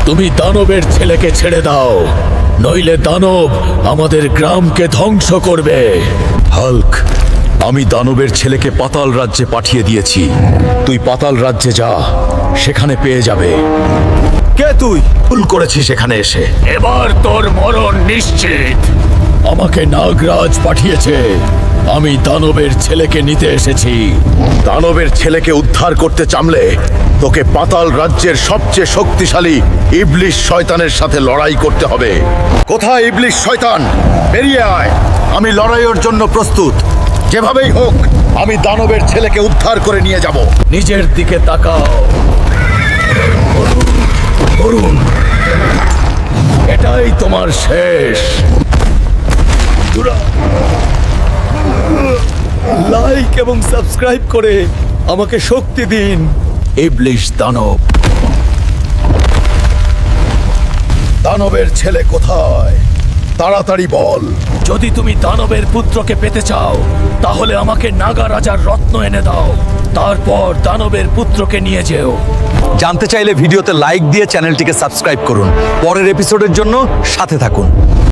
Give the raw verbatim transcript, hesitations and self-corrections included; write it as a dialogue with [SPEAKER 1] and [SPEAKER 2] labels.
[SPEAKER 1] তুমি দানবের ছেলেকে ছেড়ে দাও, নইলে দানব আমাদের গ্রামকে ধ্বংস করবে।
[SPEAKER 2] হাল্ক, আমি দানবের ছেলেকে পাতাল রাজ্যে পাঠিয়ে দিয়েছি। তুই পাতাল রাজ্যে যা, সেখানে পেয়ে যাবে। কে তুই? ভুল করেছিস সেখানে এসে।
[SPEAKER 1] এবার তোর মরণ নিশ্চিত। আমাকে নাগরাজ পাঠিয়েছে, আমি দানবের ছেলেকে নিতে এসেছি।
[SPEAKER 2] দানবের ছেলেকে উদ্ধার করতে চামলে তোকে পাতাল রাজ্যের সবচেয়ে শক্তিশালী ইবলিশ শয়তানের সাথে লড়াই করতে হবে। কোথায় ইবলিশ শয়তান? বেরিয়ে আয়, আমি লড়াইয়ের জন্য প্রস্তুত। যেভাবেই হোক আমি দানবের ছেলেকে উদ্ধার করে নিয়ে যাব।
[SPEAKER 1] নিজের দিকে তাকাও করুন, এটাই তোমার শেষ। লাইক এবং সাবস্ক্রাইব করে আমাকে শক্তি দিন। ইবলিশ দানব,
[SPEAKER 2] দানবের ছেলে কোথায়? তাড়াতাড়ি বল।
[SPEAKER 1] যদি তুমি দানবের পুত্রকে পেতে চাও তাহলে আমাকে নাগা রাজার রত্ন এনে দাও, তারপর দানবের পুত্রকে নিয়ে যেও।
[SPEAKER 3] জানতে চাইলে ভিডিওতে লাইক দিয়ে চ্যানেলটিকে সাবস্ক্রাইব করুন। পরের এপিসোডের জন্য সাথে থাকুন।